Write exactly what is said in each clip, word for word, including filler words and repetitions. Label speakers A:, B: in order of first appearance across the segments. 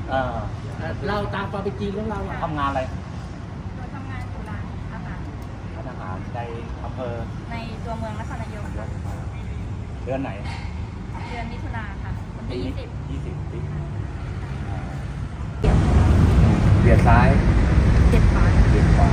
A: เออ
B: เราตามความเป็นจริงของเราอะ
A: ทำงานอะไร
C: เราทำงานอยู่ร้านอาหาร
A: ร้านอาหารในอำเภอ
C: ในตัวเมืองนครนายกค่ะ
A: เดือนไหน
C: เดือนมิถุนาค่ะวันที่ยี่สิบ
A: ยี่สิบปีเบียดซ้าย
C: เจ็ดขวา
A: เบียดขวา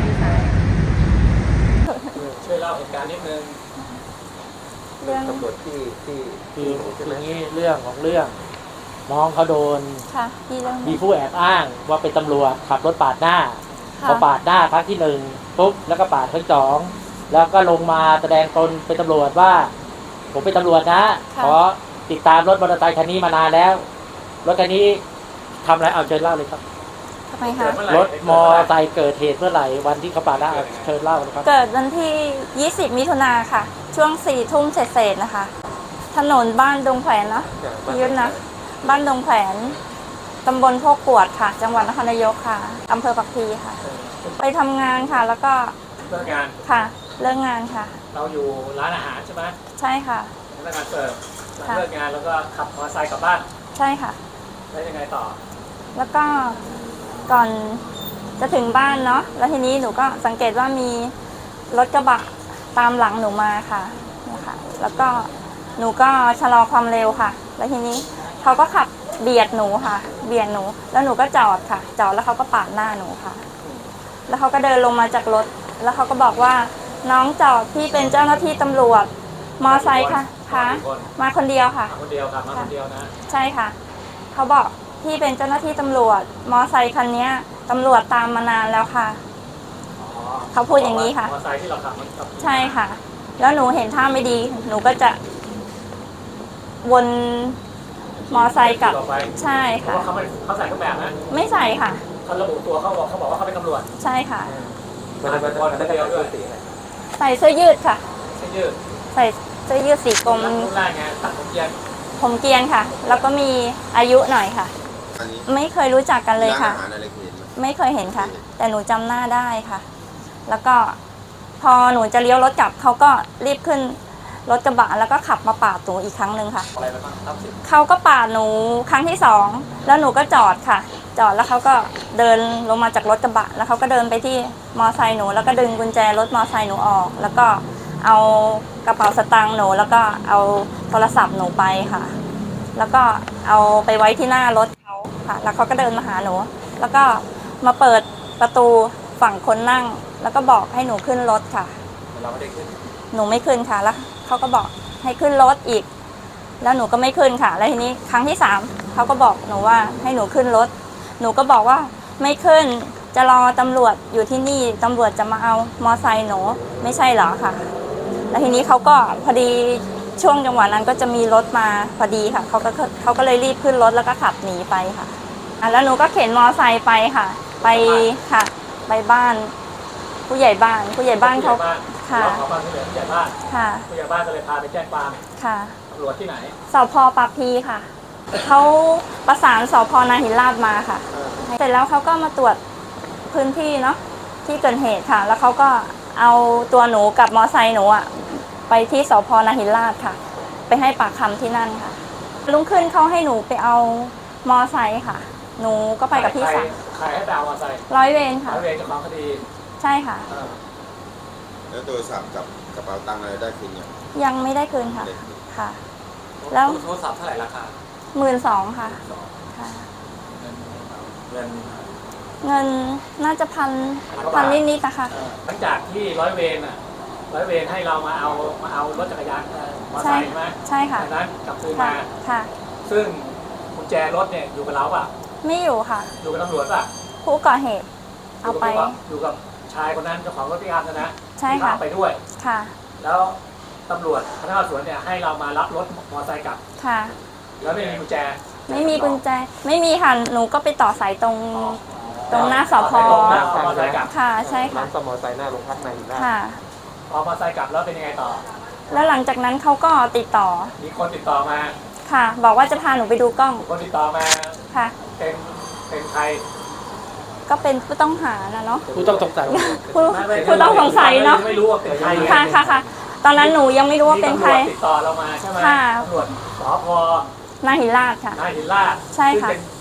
B: ช่วยเล่าเหตุการณ์นิดนึง
C: เรื่อง
B: ตำรวจที่ที่คืออย่างนี้เรื่องของเรื่องน้องเขาโดน
C: ค่ะที่เรื่อง
B: มีผู้แอบอ้างว่าเป็นตำรวจขับรถปาดหน้าพอปาดหน้าครั้งที่หนึ่งปุ๊บแล้วก็ปาดครั้งสองแล้วก็ลงมาแสดงตนเป็นตำรวจว่าผมเป็นตำรวจนะขอติดตามรถมอเตอร์ไซค์คันนี้มานานแล้วรถคันนี้ทำอะไรเอาเชิญเล่าเลยครับ
C: ทำไมคะ
B: รถมอเตอร์ไซค์เกิดเหตุเมื่อไหร่วันที่เขาปาดหน้าเชิญเล่านะครับ
C: เกิดวันที่ยี่สิบมิถุนาค่ะช่วงสี่ทุ่มเศษๆนะคะถนนบ้านดงแขวนเนาะพี่ยุทธนะบ้านดงแขวนตำบลโพกกวดค่ะจังหวัดนครนายกค่ะอำเภอปักพีค่ะไปทำงานค่ะแล้วก็
B: เลิกงาน
C: ค่ะเลิกงานค่ะ
B: เราอยู่ร้านอาหารใช่ไหม
C: ใช่ค่ะ
B: พนักงานเสิร์ฟเลิกงานแล้วก็ขับมอเตอร์ไซค์กลับบ้าน
C: ใช่ค่ะ
B: แล้วยังไงต่อ
C: แล้วก็ก่อนจะถึงบ้านเนาะแล้วทีนี้หนูก็สังเกตว่ามีรถกระบะตามหลังหนูมาค่ะนะคะแล้วก็หนูก็ชะลอความเร็วค่ะแล้วทีนี้เขาก็ขับเบียดหนูค่ะเบียดหนูแล้วหนูก็จอดค่ะจอดแล้วเขาก็ปาดหน้าหนูค่ะแล้วเขาก็เดินลงมาจากรถแล้วเขาก็บอกว่าน้องจอดพี่เป็นเจ้าหน้าที่ตำรวจมอไซค์ค่ะค่ะมาคนเดียวค่ะ
B: คนเดียวค่ะมาคนเดียวนะ
C: ใช่ค่ะเขาบอกพี่เป็นเจ้าหน้าที่ตำรวจมอไซค์คันนี้ตำรวจตามมานานแล้วค่ะเขาพูดอย่างนี้ค่ะ
B: มอไซค์ที่เราขับ
C: ใช่ค่ะแล้วหนูเห็นท่าไม่ดีหนูก็จะวนมอไซค์กลับใช่ค่ะ
B: เขาไม่เขาใส่เครื่องแบบนะ
C: ไม่ใส่ค่ะ
B: เขาระบุตัวเขาบอกเขาบอกว่าเขาเป็นตำรวจ
C: ใช่ค่ะ
B: มาเป็นคนเดียวด้วย
C: ใส่เสื้อยืดค่ะ
B: เสื้อยืด
C: ใส่เสื้อยืดสีกรม
B: รุ่นแรกไงตัดผมเกียน
C: ผมเกียนค่ะแล้วก็มีอายุหน่อยค่ะไม่เคยรู้จักกันเลยค่ะไม่เคยเห็นค่ะแต่หนูจำหน้าได้ค่ะแล้วก็พอหนูจะเลี้ยวรถกลับเขาก็รีบขึ้นรถกระบะแล้วก็ขับมาปาดหนูอีกครั้งหนึ่งค่ะเขาก็ปาดหนูครั้งที่สองแล้วหนูก็จอดค่ะจอดแล้วเขาก็เดินลงมาจากรถกระบะแล้วเขาก็เดินไปที่มอไซค์หนูแล้วก็ดึงกุญแจรถมอไซค์หนูออกแล้วก็เอากระเป๋าสตางค์หนูแล้วก็เอาโทรศัพท์หนูไปค่ะแล้วก็เอาไปไว้ที่หน้ารถเขาค่ะแล้วเขาก็เดินมาหาหนูแล้วก็มาเปิดประตูฝั่งคนนั่งแล้วก็บอกให้หนูขึ้นรถค่ะ
B: เราไม่ได้ขึ้น
C: หนูไม่ขึ้นค่ะแล้วเขาก็บอกให้ขึ้นรถอีกแล้วหนูก็ไม่ขึ้นค่ะแล้วทีนี้ครั้งที่สามเขาก็บอกหนูว่าให้หนูขึ้นรถหนูก็บอกว่าไม่ขึ้นจะรอตำรวจอยู่ที่นี่ตำรวจจะมาเอามอไซค์หนูไม่ใช่เหรอค่ะแล้วทีนี้เขาก็พอดีช่วงจังหวะนั้นก็จะมีรถมาพอดีค่ะเขาก็เขาก็เลยรีบขึ้นรถแล้วก็ขับหนีไปค่ะแล้วหนูก็เข็นมอไซค์ไปค่ะไปค่ะไปบ้านผู้ใหญ่บ้านผู้ใหญ่บ้านเขาค่ะ
B: เขาบ้านผู้ใหญ่บ้าน
C: ค่ะ
B: ผู้ใหญ่บ้านก็เลยพาไปแจ้งความ
C: ค่ะ
B: ตำรวจที่ไหน
C: สพ.ปากพีค่ะเขาประสานสพ.นาหินลาดมาค่ะเสร็จแล้วเขาก็มาตรวจพื้นที่เนาะที่เกิดเหตุค่ะแล้วเขาก็เอาตัวหนูกับมอไซค์หนูอะไปที่สพ.นาหินลาดค่ะไปให้ปากคำที่นั่นค่ะลุงขึ้นเขาให้หนูไปเอามอไซค์ค่ะหนูก็ไปกับพี่สาว
B: ใครให้ไปเอามอไซค์
C: ร้อยเวรค่ะ
B: ร้อยเวรเจ้าของคดี
C: ใช่ค่ะ
D: แล้วโทรศัพท์กับกระเป๋าตังค์อะไรได้คืนยัง
C: ยังไม่ได้คืนค่ะค่ะแล้ว
B: โทรศัพท์เท่าไหร่ราคา
C: หมื่นสองค่ะค่ะ
B: เงิน
C: เงินน่าจะพันพันนิดๆนะคะ
B: หลังจากที่ร้อยเวรอ่ะร้อยเวรให้เรามาเอามาเอารถจักรยานมอเตอร์ไซค์ใช่ไหม
C: ใช่ค่ะ
B: จากนั้นกลับคืนมา
C: ค่ะ
B: ซึ่งกุญแจรถเนี่ยอยู่กับเราป่ะ
C: ไม่อยู่ค่ะ
B: อยู่กับตำรวจป่ะ
C: ผู้ก่อเหตุเอาไป
B: อยู่กับชายคนนั้นเจ้าของรถพิการนะ
C: ใช่ค่ะ
B: ไปด้วย
C: ค่ะ
B: แล้วตำรวจพนักงานสวนเนี่ยให้เรามารับรถมอเตอร์ไซค์กลับ
C: ค่ะ
B: แล้วไม่มีกุญแจ
C: ไม่มีกุญแจไม่มีค่ะหนูก็ไปต่อสายตรงตรงหน้าสพ.ค่ะใช่ค่ะ
B: ร้านมอเตอร์ไซค์หน้าโรงพักใน
C: ค่ะ
B: พอมอเตอร์ไซค์กลับแล้วเป็นยังไงต่อ
C: แล้วหลังจากนั้นเขาก็ติดต่อ
B: มีคนติดต่อมา
C: ค่ะบอกว่าจะพาหนูไปดูกล้อง
B: คนติดต่อมา
C: ค่ะ
B: เป็นเป็นใคร
C: ก็เป็นผู้ต้องหานะเนาะ
B: ผู้ต้องสงสัย
C: ผู้ผู้ต้องสงสัยเนาะ
B: ไม่รู้ว่าเป็นใคร
C: ค่ะค่ะค่ะตอนนั้นหนูยังไม่รู้ว่าเป็นใคร
B: ติดต่อเรามาใช่ไหม
C: ค่ะ
B: ตำรวจสพ.
C: นาหินลาดค่ะ
B: นาหินลาด
C: ใช่ค่ะ
B: เป็น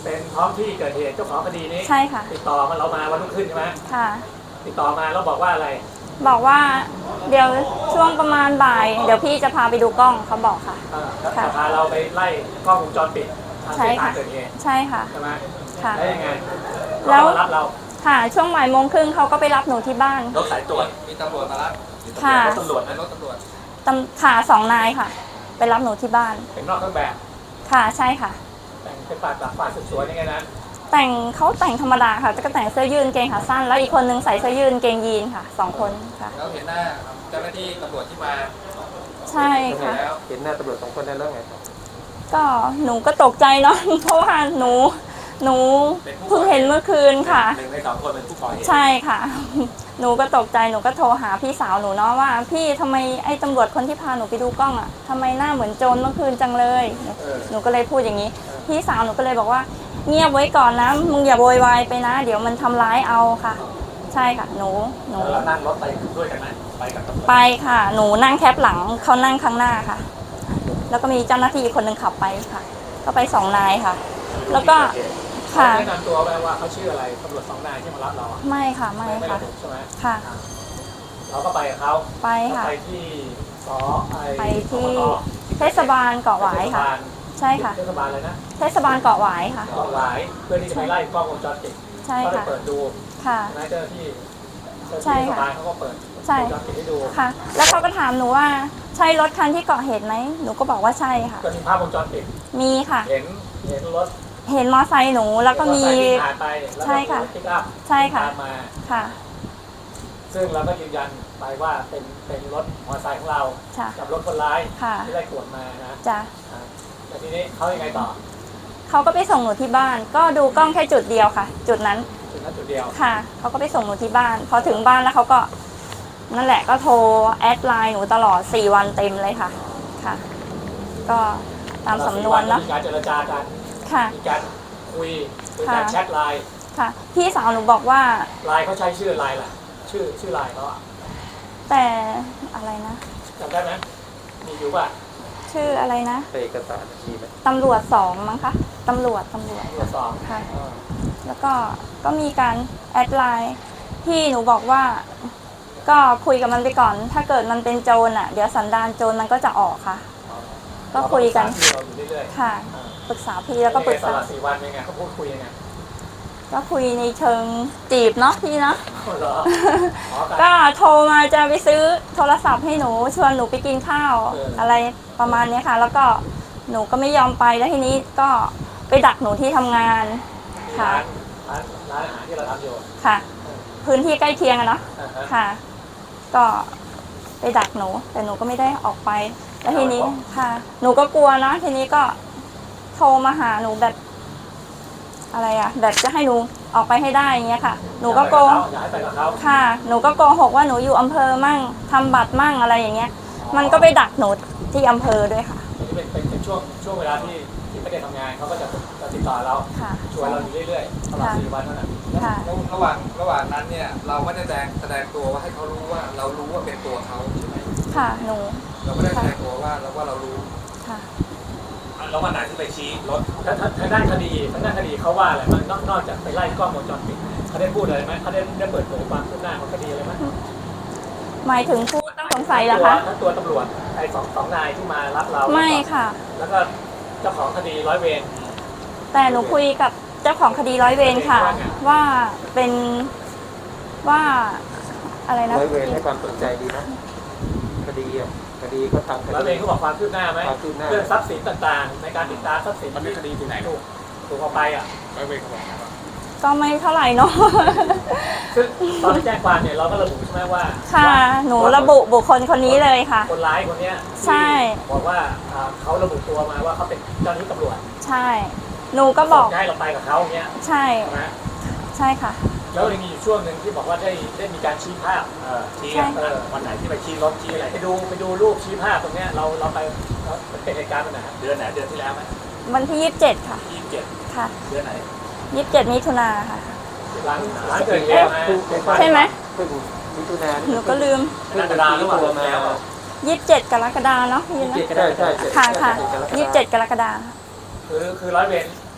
B: เป็นท้องที่เกิดเหตุเจ้าของคดีนี้
C: ใช่ค่ะ
B: ติดต่อมาเรามาวันรุ่งขึ้นใช่ไหม
C: ค่ะ
B: ติดต่อมาแล้วบอกว่าอะไร
C: บอกว่าเดี๋ยวช่วงประมาณบ่าย เดี๋ยวพี่จะพาไปดูกล้องเขาบอกค่ะ
B: เอ่อแล้ว
C: ค่ะ
B: จะพาเราไปไล่กล้องวงจรปิดทาง
C: ใช่
B: เส้นทา
C: ค่ะ
B: งเกิดเหตุ
C: ใช่ค่ะ
B: ใช่ไหม
C: ค่ะ
B: แล้วยังไง
C: แล้ว
B: เขามารับเรา
C: ค่ะ ช่วงบ่ายโมงครึ่งเขาก็ไปรับหนูที่บ้าน
B: รถสายตรวจ
E: มีตำรวจมารับ
C: ค่ะ
B: รถตำรวจนะ
E: รถตำรวจ
C: ตำค่ะสองนายค่ะ ไปรับหนูที่บ้าน
B: เป็นนอกเครื่องแบบ
C: ค่ะใช่ค่ะ
B: แต่งเป็นฝ่ายปราบฝ่ายสืบสวนยังไงนะ
C: แต่งเขาแต่งธรรมดาค่ะก็แต่งเสื้อยืดกางเกงขาสั้น แล้วอีกคนนึงใส่เสื้อยืดกางเกงยีนค่ะสองคนค่ะ
E: แล้วเห็นหน้าเจ้าหน้าที่ตำรวจที่มา
C: ใช่ค่ะ
E: แล้ว
B: เห็นหน้าตำรวจสองคนได้แล้วไง
C: ก็หนูก็ตกใจเนาะ เพราะว่าหนูหนูเพิ่งเห็นเมื่อคืนค่ะ
B: หนึ่งในสองคนเป็นผู้ก่อเหตุ
C: ใช่ค่ะ หนูก็ตกใจหนูก็โทรหาพี่สาวหนูเนาะว่า พี่ทำไมไอ้ตำรวจคนที่พาหนูไปดูกล้องอ่ะทำไมหน้าเหมือนโจรเมื่อคืนจังเลย
B: เออ
C: หนูก็เลยพูดอย่างนี้ พี่สาวหนูก็เลยบอกว่าเงียบไว้ก่อนนะมึงอย่าโวยวายไปนะ เดี๋ยวมันทำร้ายเอาค่ะ ใช่ค่ะ หนูหนู
B: แล้วเรานั่งรถไปด้วยกันไหมไปกับตำรวจ
C: ไปค่ะ หนูนั่งแคปหลังเขานั่งข้างหน้าค่ะ แล้วก็มีเจ้าหน้าที่อีกคนหนึ่งขับไปค่ะ ก็ไปสองนายค่ะ แล้วก็
B: เขา
C: ค่ะ
B: แนะนำตัวไปว่าเขาชื่ออะไรตำรวจสองนายที่มารับเราอะ
C: ไม่ค่ะไม่
B: ไม่
C: ค่ะ
B: ระบุใช่ไหม
C: ค่ะ
B: เราก็ไปกับเขา
C: ไปค่ะ
B: ไปที่สอไอ
C: ไปที่
B: สปต
C: เทศบาลเกาะหวายค่ะ ใช่ค่ะ
B: เทศบาลเลยนะ
C: เทศบาลเกาะหวายค่ะ
B: เกาะหวายเพื่อที่จะไปไล่กล้องวงจรปิด
C: ใช่
B: เขาได้
C: ค่ะ
B: เปิดดู
C: ค่ะ
B: นายเจ้าหน้าที่เจ้าหน้า
C: ใช่
B: ที่เทศ
C: ค่ะ
B: บาลเขาก็เปิด
C: ใช่
B: วงจรปิดให้ดู
C: ค่ะ แล้วเขาก็ถามหนูว่าใช่รถคันที่เกาะเหตุไหมหนูก็บอกว่าใช่ค่ะ
B: ก็มีภาพวงจรปิด
C: มีค่ะ
B: เห็นเห็นรถ
C: เห็นมอไซค์หนูแล้วก็มี
B: รถไฟที่ผ่านไปแล้วก็
C: ใช่ค่ะ
B: รถปิกอัพ
C: ใช่ค่ะ
B: ตามมา
C: ค่ะ
B: ซึ่งเราก็ยืนยันไปว่าเป็นเป็นรถมอเตอร์ไซค์ของเรา
C: ค่ะ
B: กับรถคนร้าย
C: ค่ะ
B: ที่ได้ตรวจมานะ
C: จ้ะ
B: อ่าแล้วทีนี้เขายังไงต่อ
C: เขาก็ไปส่งหนูที่บ้าน ก็ดูกล้องแค่จุดเดียวค่ะ จุดนั้น
B: จุดนั้นจุดเดียว
C: ค่ะ เขาก็ไปส่งหนูที่บ้าน พอถึงบ้านแล้วเขาก็ นั่นแหละก็โทรแอดไลน์หนูตลอดสี่วันเต็มเลยค่ะ ค่ะ ก็ตามสำนวนเนาะ
B: มีการเจรจากัน
C: ค่ะ
B: มีการคุยมีการ
C: ค่ะ
B: แชทไลน์
C: ค่ะ พี่สาวหนูบอกว่า
B: ไลน์เขาใช้ชื่อไลน์ล่ะ ชื่อชื่อไลน์เขาอะ
C: แต่อะไรนะ
B: จำได้ไหมมีอยู่ป่ะ
C: ชื่ออะไรนะ
B: เอกสารมีไหม
C: ตำรวจสองมั้งคะตำรวจตำรวจ
B: ตรวจสอบ
C: ค่ะ แล้วก็ก็มีการแอดไลน์ที่หนูบอกว่า ก็คุยกับมันไปก่อน ถ้าเกิดมันเป็นโจรอ่ะ เดี๋ยวสันดานโจรมันก็จะออกค่ะ ก็คุยกัน
B: เราอยู่เรื่อยๆ
C: ค่ะ
B: อ่า
C: ปรึกษาพี่แล้วก็ปรึก
B: ต
C: ษา
B: ลอดสี่วันเป็นไงเขาพูดคุยยังไง
C: ก็คุยในเชิงจีบเนาะพี่เนาะ
B: อ๋อเหรออ๋อกัน
C: ก็โทรมาจะไปซื้อโทรศัพท์ให้หนูชวนหนูไปกินข้าว
B: เอออ
C: อะไรประมาณเนี้ยค่ะ แล้วก็หนูก็ไม่ยอมไปแล้วทีนี้ก็ไปดักหนูที่ทำงาน ค่ะ
B: ร้านร้านร้านอาหารที่เราทำอยู่
C: ค่ะ พื้นที่ใกล้เคียงอะเนาะ
B: อ่าฮะ
C: ค่ะ ก็ไปดักหนู แต่หนูก็ไม่ได้ออกไป แล้วทีนี้ค่ะ หนูก็กลัวเนาะทีนี้ก็โทรมาหาหนูแบบ อะไรอะแบบจะให้หนูออกไปให้ได้อย่างเงี้ยค่ะ หนูก็โก
B: อยากให้ไปกับเขา
C: ค่ะ หนูก็โกหกว่าหนูอยู่อำเภอมั่งทำบัตรมั่งอะไรอย่างเงี้ย มันก็ไปดักหนูที่อำเภอด้วยค่ะ
B: อันนี้เป็นเป็นเป็นช่วงช่วงเวลาที่ที่ไม่ได้ทำงานเขาก็จะจะติดต่อเรา
C: ค่ะ
B: ชวนเราอยู่เรื่อยๆตลอด
C: ค่ะ
B: สี่วันนั่นแหละ
C: ค่ะ
E: แล้วระหว่างระหว่างนั้นเนี่ยเราไม่ได้แสดงแสดงตัวว่าให้เขารู้ว่าเรารู้ว่าเป็นตัวเขาใช่ไหม
C: ค่ะ หนู
E: เราไม่ได้แสดงตัวว่าเราว่าเรารู้
C: ค่ะ
E: แล้ววันไหนที่ไปชี้รถ
B: ทางทางด้านคดีทางด้านคดีเขาว่าอะไรบ้างนอกนอกจากไปไล่กล้องวงจรปิดเขาได้พูดอะไรไหมเขาได้ได้เปิดเผยความคืบหน้าของคดีอะไรไหม
C: หมายถึงผู้ต้องสงสัยเหรอคะ
B: ทั้งตัวตำรวจไอ้สองสองนายที่มารับเรา
C: ไม่ค่ะ
B: แล้วก็เจ้าของคดีร้อยเวร
C: แต่หนูคุยกับเจ้าของคดีร้อยเวรค่ะ ว่าเป็นว่าอะไรนะ
F: ร้อยเวรให้ความสนใจดีนะคดีอ่ะคดีเขาทำค
B: ร้อยเว
F: ดี
B: รเขาบอกความคืบหน้าไหม
F: ความคืบหน้า
B: เรื่องทรัพย์สินต่างๆ ในการติดตามทรัพย์สิน
E: มันเป็นคดีที่ไหน
B: ถูกถูกเอาไปอ่ะ
E: ร้อยเวรเขาบอก
C: ก็ไม่เท่าไหร่เนาะ
B: ซึ่งตอนที่แจ้งความเนี่ยเราก็ระบุใช่ไหมว่า
C: ค่ะ หนูระบุบุคคลคนนี้เลยค่ะ
B: คนร้ายคนเนี้ย
C: ใช่
B: บอกว่าอ่าเขาระบุตัวมาว่าเขาเป็นเจ้าหน้าที่ตำรวจ
C: ใช่ หนูก็บอก
B: จะให้เราไปกับเขาอย่างเงี้ย
C: ใช่
B: ใช่ไหม
C: ใช่ค่ะ
B: แล้วยังมีอยู่ช่วงหนึ่งที่บอกว่าได้ได้มีการชี้ภาพเออชี้
C: ใช่
B: เออวันไหนที่ไปชี้รถชี้อะไรไปดูไปดูรูปชี้ภาพตรงเนี้ยเราเราไปเราเป็นเหตุการณ์วันไหนฮะเดือนไหนเดือนที่แล้วไหม
C: วันที่ยี่สิบเจ็ดค่ะ
B: ยี่สิบเจ็ด
C: ค่ะ
B: เดือนไหน
C: ยี่สิบเจ็ดมิถุนาค่ะ
B: หลังหลังเกิดเหตุไหม
C: ใช่ไหม
F: เพิ่งมิถุนายน
C: หนูก็ลืม
B: กรกฎาคมหรือเปล่า
F: ตัวมา
B: แล้ว
C: ยี่สิบเจ็ดกรกฎาเนาะพี่นะ
F: ใช่ใช่
C: ค่ะค่ะยี่สิบเจ็ดกรกฎา
B: คือคือร้อยเวร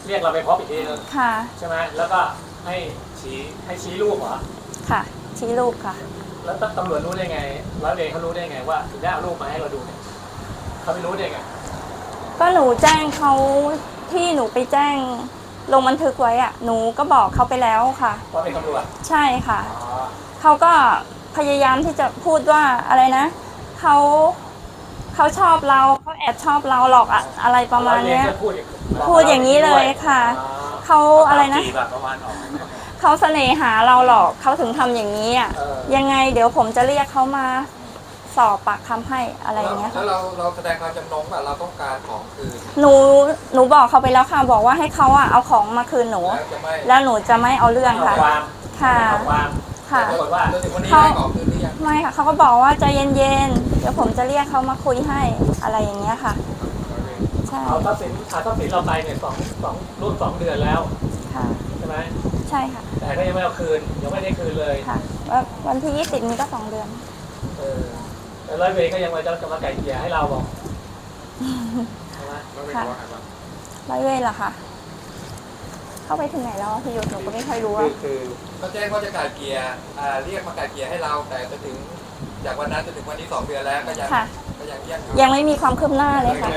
B: เรียกเราไปพบอีกทีนึง
C: ค่ะ
B: ใช่ไหมแล้วก็ให้ชี้ให้ชี้รูปเหรอ
C: ค่ะชี้รูปค่ะ
B: แล้วตำรวจรู้ได้ไงร้อยเวรเขารู้ได้ไงว่าถึงได้เอารูปมาให้เราดูเนี่ยเขาไม่รู้ได้ไง
C: ก็หนูแจ้งเขาที่หนูไปแจ้งลงบันทึกไว้อะหนูก็บอกเขาไปแล้วค่ะ
B: ว่าเป็นตำรวจ
C: ใช่ค่ะ
B: อ๋อ
C: เขาก็พยายามที่จะพูดว่าอะไรนะเขาเขาชอบเราเขาแอบชอบเราหรอกอะอะไรประมาณเนี้ย
B: ร้อวรก็พูดอย่าง
C: พูดอย่างนี้เลยค่ะ
B: อ๋อ
C: เขาอะไรนะ
A: จีบแบบประมาณออก
C: เขาเสน่หาเราหรอกเขาถึงทำอย่างนี้อ่ะ
B: เออ
C: ยังไงเดี๋ยวผมจะเรียกเขามาสอบปากคำให้อะไรอย่างเงี้ย
E: แล้
C: ค่ะ
E: วเราเราแสดงความจำนงว่าเราต้องการของคืน
C: หนูหนูบอกเขาไปแล้วค่ะบอกว่าให้เขาอ่ะเอาของมาคืนหนู
E: แล้วจะไม่
C: แล้วหนูจะไม่เอาเรื่อง
B: เอา
C: ค่ะ
B: ความ
C: ค่ะ
B: เอาความ
C: ค่ะ
B: ปรากฏว่า
E: จนถึงวันนี้ได้ของคืนหรือยัง
C: ไม่ค่ะเขาก็บอกว่าใจเย็นๆเดี๋ยวผมจะเรียกเขามาคุยให้อะไรอย่างเงี้ยค่ะใช่
B: เอาทรัพย์สินเอาทรัพย์สินเราไปเนี่ยสองสองรุ่นสองเดือนแล้ว
C: ค่ะ
B: ใช่ไหม
C: ใช่ค่ะ
B: แต่ก็ยังไม่เอาคืนยังไม่ได้คืนเลย
C: ค่ะว่าวันที่ยี่สิบนี้ก็สองเดือน
B: เออแต่ร้อยเวรก็ยังมาจะจะมาไก่เกลี่ยให้เราบอกใช่ไหม
C: ค่ะร้อยเวรเหรอคะเข้าไปถึงไหนแล้วอะพี่ยุทธหนูก็ไม่ค่อยรู้
F: คื
C: อะ
F: อคือ
E: เขาแจ้งว่าจะไก่เกลียอ่าเรียกมาไก่เกลียให้เรา แต่จะถึงจากวันนั้นจนถึงวันนี้สองเดือนแล้วก็ยัง
C: ค่ะ
E: ก็ยังยัง
C: ยังไม่มีความคืบหน้าเลยค่ะ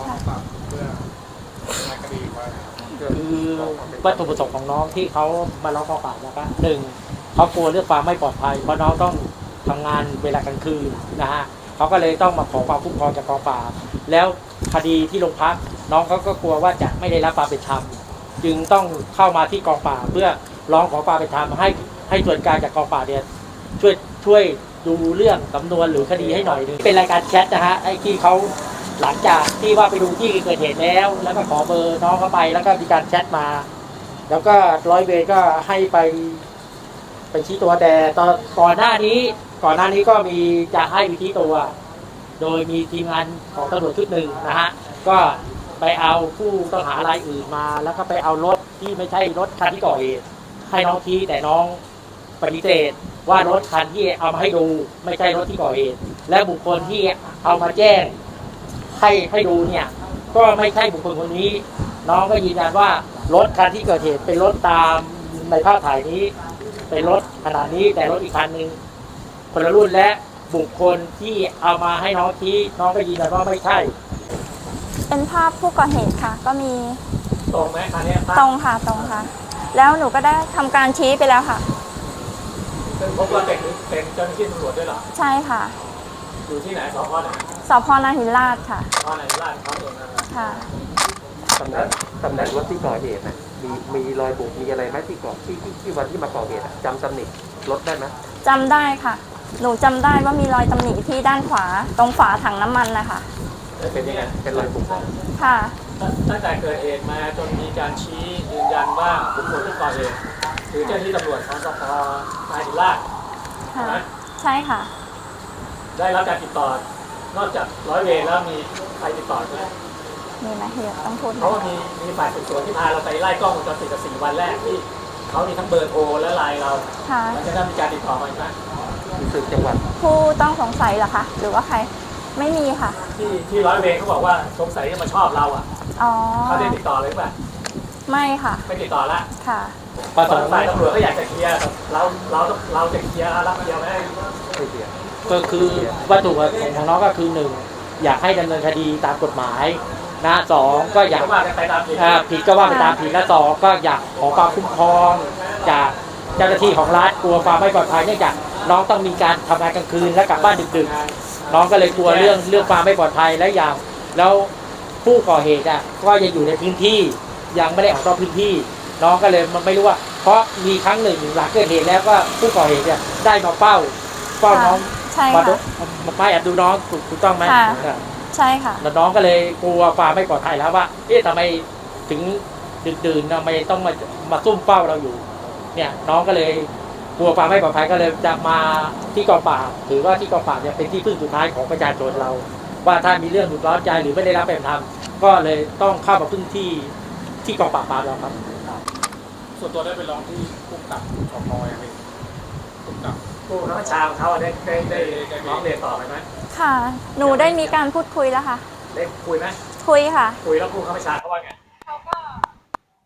B: คือวัตถุประสงค์ของน้องที่เขามาร้องกองปราบนะครับหนึ่งเขากลัวเรื่องความไม่ปลอดภัยเพราะน้องต้องทำงานเวลากลางคืนนะฮะเขาก็เลยต้องมาขอความคุ้มครองจากกองปราบแล้วคดีที่โรงพักน้องเขาก็กลัวว่าจะไม่ได้รับความเป็นธรรมจึงต้องเข้ามาที่กองปราบเพื่อร้องขอความเป็นธรรมให้ให้ส่วนกลางจากกองปราบเนี่ยช่วยช่วยดูเรื่องสำนวนหรือคดีให้หน่อยนึงเป็นรายการแชทนะฮะไอ้ที่เขาหลังจากที่ว่าไปดูที่เกิดเหตุแล้ว แล้วก็ขอเบอร์น้องเข้าไปแล้วก็มีการแชทมา แล้วก็ร้อยเวรก็ให้ไปไปชี้ตัวแต่ตอนก่อนหน้านี้ ก่อนหน้านี้ก็มีจะให้ไปชี้ตัว โดยมีทีมงานของตำรวจชุดหนึ่งนะฮะก็ไปเอาผู้ต้องหารายอื่นมา แล้วก็ไปเอารถที่ไม่ใช่รถคันที่ก่อเหตุให้น้องชี้แต่น้องปฏิเสธว่ารถคันที่เอามาให้ดูไม่ใช่รถที่ก่อเหตุและบุคคลที่เอามาแจ้งให้ให้ดูเนี่ยก็ไม่ใช่บุคคลคนนี้ น้องก็ยืนยันว่ารถคันที่เกิดเหตุเป็นรถตามในภาพถ่ายนี้เป็นรถขนาดนี้แต่รถอีกคันหนึ่งคนละรุ่นและบุคคลที่เอามาให้น้องชี้น้องก็ยืนยันว่าไม่ใช่
C: เป็นภาพผู้ก่อเหตุค่ะ ก็มี
B: ตรงไหมคันนี้ภาพ
C: ตรงค่ะตรงค่ะ แล้วหนูก็ได้ทำการชี้ไปแล้วค่ะ
B: ซึ่งพบว่าเป็นเป็นเจ้าหน้าที่ตำรวจด้วยเหรอ
C: ใช่ค่ะ
B: อยู่ที่ไหนสพไหน
C: สพนาหินลาดค่ะ
B: สพไหนราชเขาเองนั่นแหละ
C: ค่ะ
F: ตำแหน่งตำแหน่งรถที่ก่อเหตุนะมีมีรอยบุบมีอะไรไหมที่ก่อที่ที่ที่วันที่มาก่อเหตุอะจำตำหนิรถได้ไหม
C: จำได้ค่ะ หนูจำได้ว่ามีรอยตำหนิที่ด้านขวาตรงฝาถังน้ำมันนะคะ
B: เป็นยังไง
F: เป็นรอยบุบของ
C: ค่ะ
B: ตั้งแต่เกิดเหตุมาจนมีการชี้ยืนยันว่าบุคคลที่ก่อเหตุคือเจ้าหน้าที่ตำรวจของสพนายหินลาด
C: ค่ะ
B: นะ
C: ใช่ค่ะ
B: ได้รับการติดต่อนอกจากร้อยเวรแล้วมีใครติดต่อไหม
C: มีไหมเฮียต้องพูด
B: เพราะว่ามีมีฝ่ายสืบสวนที่พาเราไปไล่กล้องวงจรปิดกับสี่วันแรกที่เขามีทั้งเบอร์โทรและไลน์เรา
C: ค่ะ
B: แล้วจะได้มีการติดต่อมาอีกไหม
F: มีสืบจังหวัด
C: ผู้ต้องสงสัยเหรอคะ หรือว่าใคร ไม่มีค่ะ
B: ที่ที่ร้อยเวรเขาบอกว่าสงสัยจะมาชอบเราอ่ะ
C: อ๋อ
B: เขาได้ติดต่อเลยป่ะ
C: ไม่ค่ะ
B: ไม่ติดต่อละ
C: ค่ะ
B: ฝ่ายตำรวจก็อยากจะเคลียร์แต่เราเราเราจะเคลียร์รับเคลียร์ไหม
F: ไม่เสีย
B: ก็คือวัตถุประสงค์ของน้องก็คือหนึ่งอยากให้ดำเนินคดีตามกฎหมายนะสองก็อยากว่ากันไปตามผิดผิดก็ว่าไปตามผิดและสองก็อยากขอความคุ้มครองจากเจ้าหน้าที่ของรัฐกลัวความไม่ปลอดภัยเนื่องจากน้องต้องมีการทำงานกลางคืนและกลับบ้านดึกๆน้องก็เลยกลัวเรื่องเรื่องความไม่ปลอดภัยและอย่างแล้วผู้ก่อเหตุอ่ะก็ยังอยู่ในพื้นที่ยังไม่ได้ออกนอกพื้นที่ น้องก็เลยมันไม่รู้ว่าเพราะมีครั้งหนึ่งหลังเกิดเหตุแล้วก็ผู้ก่อเหตุเนี่ยได้มาเฝ้าเฝ้าน้อง
C: ใช่
B: มาดู
C: ค่ะ
B: มาแอบดูน้องถูกถูกต้องไหม
C: ค่ะ ใช่ค่ะ
B: แล้วน้องก็เลยกลัวความไม่ปลอดภัยแล้วว่าเอ๊ะทำไมถึงดื่นๆทำไมต้องมามาซุ่มเฝ้าเราอยู่เนี่ยน้องก็เลยกลัวความไม่ปลอดภัยก็เลยจะมาที่กองปราบถือว่าที่กองปราบเนี่ยเป็นที่พึ่งสุดท้ายของประชาชนเรา ว่าถ้ามีเรื่องหลุดร้อนใจหรือไม่ได้รับเป็นธรรมก็เลยต้องเข้ามาพึ่งที่ที่กองปราบปรามเราครับ
G: ส่วนตัวได้ไปร้องที่ผู้กำกับสพยังไงผู้กำกับ
B: ผู้บังคับบัญชาของเขาได้ได้ได้ร้องเรียนต่อไปไหม
C: ค่ะ หนูได้มีการพูดคุยแล้วค่ะ
B: ได้คุยไหม
C: คุยค่ะ
B: คุยแล้วผู้บังคับบัญชาเขาว่าไง
C: เขาก็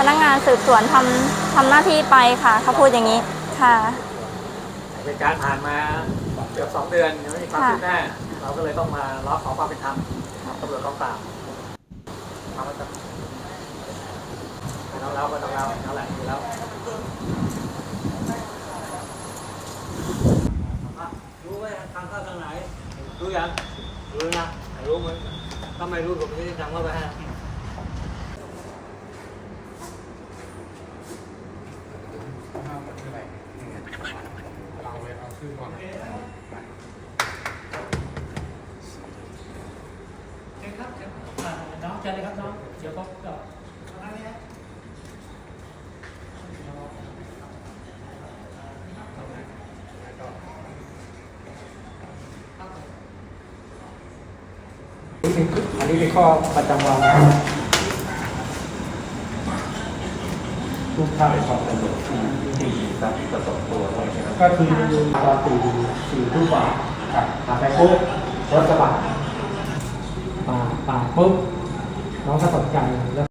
C: นักงานสืบสวนทำทำหน้าที่ไปค่ะเขาพูดอย่างนี้ค่ะ
G: เหตุการณ์ผ่านมาเกือบสองเดือนยังไม่มีความคืบหน้าเราก็เลยต้องมาร้องขอความเป็นธรรมตำรวจกองปราบทำมาจากเราเราก็ต้องเราเราแหละอยู่แล้วรู้ไหมทางเข้าทางไหนรู้ยังรู้นะรู้มั้ยถ้าไม่รู้ผมจะทำเข้าไปให้น้องเชิญเลยครับน้องเดี๋ยวก็ก็อันนี้เป็นข้อประจำวันนะทุกท่านของตำรวจที่ที่รับประสบตัวก็คือตอนสี่สี่ทุ่มกว่าครับผ่านไปปุ๊บรถกระบะป่าป่าปุ๊บน้องก็ตกใจแล้ว